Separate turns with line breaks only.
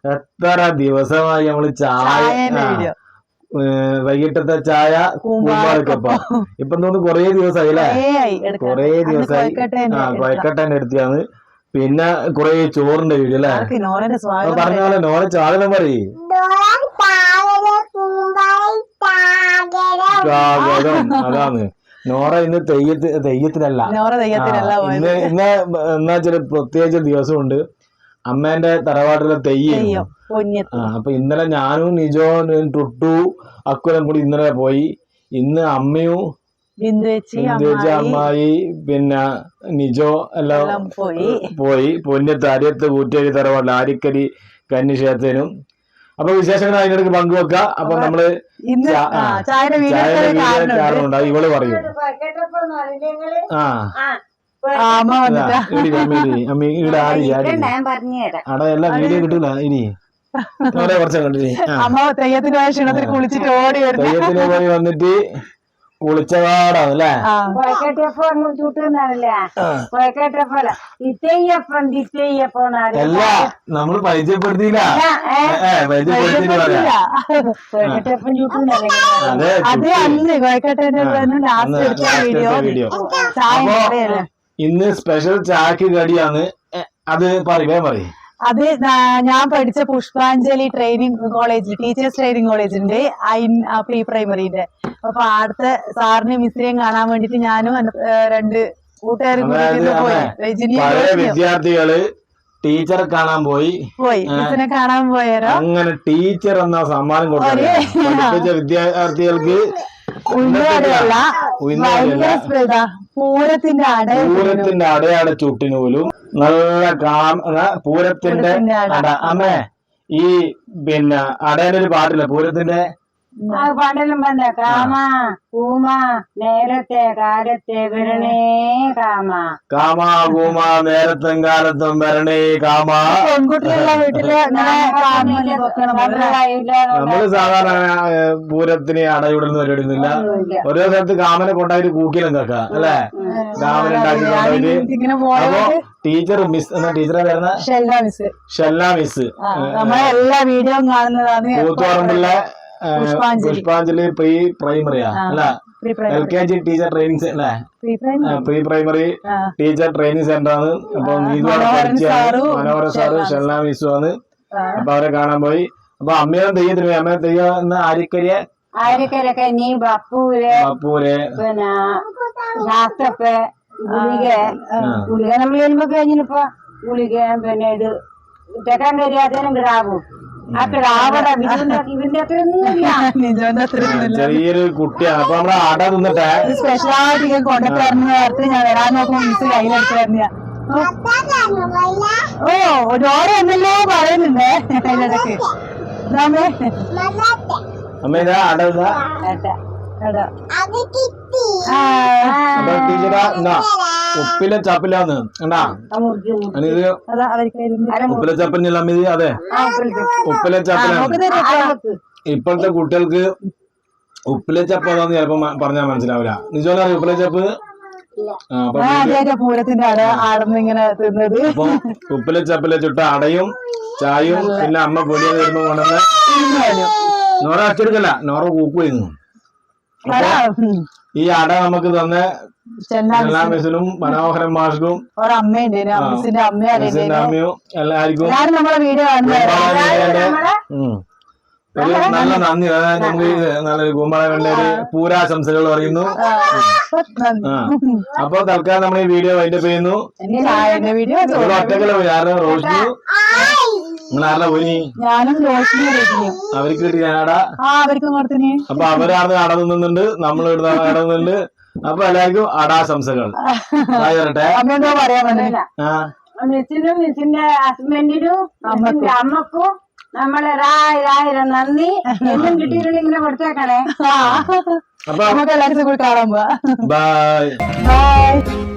എത്ര ദിവസമായി നമ്മള് ചായ വൈകിട്ടത്തെ ചായ കൂമ്പാളക്കപ്പം ഇപ്പൊ തോന്നുന്നു കൊറേ ദിവസമായി അല്ലേ? കൊറേ ദിവസമായി കൊയക്കട്ടേന്റെ അടുത്താണ്. പിന്നെ കൊറേ ചോറിന്റെ വീഡിയോ അല്ലേ? പറഞ്ഞ പോലെ നോളെ ചാകരം പറയും. അതാണ് നോറ ഇന്ന് തെയ്യത്തിനല്ല, ഇന്ന് എന്നാ ചില പ്രത്യേകിച്ച് ദിവസമുണ്ട്. അമ്മേന്റെ തറവാട്ടിലെ തെയ്യം. അപ്പൊ ഇന്നലെ ഞാനും നിജോ ടുട്ടു അക്കുലം കൂടി ഇന്നലെ പോയി. ഇന്ന് അമ്മയും അമ്മായി പിന്നെ നിജോ എല്ലാം പോയി. പൊന്നത്ത് അരിയത്ത് കൂറ്റേരി തറവാട്ടിൽ ആരിക്കരി കന്നിക്ഷേത്രത്തിനും. അപ്പൊ വിശേഷങ്ങൾ അതിനിടയ്ക്ക് പങ്കുവെക്കാം. അപ്പൊ നമ്മള് കാരണമുണ്ട്. ഇവള് പറയും അവിടെ എല്ലാം വീഡിയോ കിട്ടൂല. ഇനി കുറച്ച് കണ്ടില്ലേ തെയ്യത്തിന് പോയി വന്നിട്ട് കുളിച്ചപാടാണ് അല്ലേ? അല്ല നമ്മള് പരിചയപ്പെടുത്തിയില്ല. ഇന്ന് സ്പെഷ്യൽ ചായക്ക് കടിയാണ്. അത് പറയും.
അത് ഞാൻ പഠിച്ച Pushpanjali training college, teachers training college ഉണ്ട് പ്രീ പ്രൈമറിന്റെ. അപ്പൊ അടുത്ത സാറിനെ മിസ്സിനെയും കാണാൻ വേണ്ടിട്ട് ഞാനും രണ്ട് കൂട്ടുകാരും
വിദ്യാർത്ഥികള് ടീച്ചറെ കാണാൻ പോയി.
മിസ്സിനെ കാണാൻ പോയാലോ?
അങ്ങനെ ടീച്ചർ എന്ന സമ്മാനം കൊടുത്ത വിദ്യാർത്ഥികൾക്ക് പൂരത്തിന്റെ അടയാള ചുട്ടിനൂലും നല്ല പൂരത്തിന്റെ അമ്മേ ഈ പിന്നെ അടയാനൊരു പാട്ടില്ല പൂരത്തിന്റെ
പാട്ടെല്ലാം പറഞ്ഞ കാമ കൂമ നേരത്തെ കാലത്തെ വരണേ കാമ
കൂമ നേരത്തും കാലത്തും വരണേ കാമ. നമ്മള് സാധാരണ പൂരത്തിന് അടയിടുന്ന പരിപാടിയൊന്നുമില്ല. ഓരോ സ്ഥലത്ത് കാമനെ കൊണ്ടായിട്ട് കൂക്കിലും കേൾക്കാം അല്ലെ? കാമനെ ഉണ്ടാക്കി കൊണ്ടുപോയിട്ട് അപ്പൊ ടീച്ചർ ടീച്ചറെ വരുന്ന ഷെല്ല മിസ്
എല്ലാ വീഡിയോ കാണുന്നതാണ്.
കൂത്തുപറമ്പുള്ള പുഷ്പാഞ്ജലി പ്രീ പ്രൈമറിയാ അല്ല LKG ടീച്ചർ ട്രെയിനിങ് അല്ലേ? Pre primary teacher training centre ആണ്. അപ്പൊ നീതുവാണ് പഠിച്ചാണ്. മനോഹര സാറ് ഷെല്ല മിസ്സു ആണ്. അപ്പൊ അവരെ കാണാൻ പോയി. അപ്പൊ അമ്മയും തെയ്യത്തിന് പോയി. അമ്മ തെയ്യം
ആരിക്കരൊക്കെ നീ ബപ്പൂര് പിന്നെ ശാസ്ത്രപ്പ് ഗുളിക നമ്മൾ വരുമ്പോ കഴിഞ്ഞിപ്പോ ഗുളിക പിന്നെ ഇത് തെക്കാൻ കഴിയാത്തതിനും കിടാവും.
ചെറിയൊരു കുട്ടിയാണ്. അപ്പൊ നമ്മളെ അട തിന്നിട്ടെ
സ്പെഷ്യലായിട്ട് കൊണ്ടുവരുന്ന ഞാൻ വരാൻ നോക്കുമ്പോ മിസ് കയ്യിലെടുത്ത് ഓരോ എന്നല്ലോ പറയുന്നുണ്ട് അതിനിടക്ക്.
അമ്മ ഇതാ അട ഉപ്പിലെ ചപ്പിലാന്ന് കണ്ടാ ഇത് ഉപ്പിലെ ചപ്പല്ല അമ്മ ഇത്. അതെ ഉപ്പിലെ ചപ്പലാണ്. ഇപ്പോഴത്തെ കുട്ടികൾക്ക് ഉപ്പിലെ ചപ്പ് അതാന്ന് ചിലപ്പോ പറഞ്ഞാൽ മനസ്സിലാവില്ല. നിജോല ഉപ്പിലെ ചപ്പ്
പൂരത്തിന്റെ
അപ്പൊ ഉപ്പിലെ ചപ്പിലെ ചുട്ട അടയും ചായയും പിന്നെ അമ്മ പൊടിയത് വരുമ്പോ കൊണ്ടുവന്ന് നോറ അച്ചെടുക്കല്ല, നോറ കൂക്കുമായിരുന്നു. ഈ അട നമുക്ക് തന്നെ മിസ്സിനും മനോഹരൻ മാഷ്ക്കും അമ്മയും എല്ലാവർക്കും ഒരു നല്ല നന്ദി. അതായത് നമുക്ക് നല്ലൊരു കൂമ്പാള ഒരു പൂരാശംസകൾ പറയുന്നു. അപ്പൊ തൽക്കാലം നമ്മൾ ഈ വീഡിയോ വൈൻഡപ്പ് ചെയ്യുന്നു. ഒറ്റക്കല്ല പോയി ആരുടെ റോഷിനി നിങ്ങൾ ആരുടെ പോയി? അവർക്ക് കിട്ടി ഞാനടാ. അപ്പൊ അവരാണ് അട നിന്നുണ്ട്, നമ്മൾ നടന്നുണ്ട്. അപ്പൊ എല്ലാവർക്കും അടാശംസകൾ. വരട്ടെ.
മിസ്സിനും മിസ്സിന്റെ ഹസ്ബൻഡിനും അമ്മക്കും നമ്മളെ രായിരം നന്ദി. എന്നും കിട്ടിയിട്ടുണ്ടെങ്കിൽ ഇങ്ങനെ കൊടുത്തേക്കണേ.
അപ്പൊ എല്ലാവരും കാണാൻ പോവാ. ബൈ.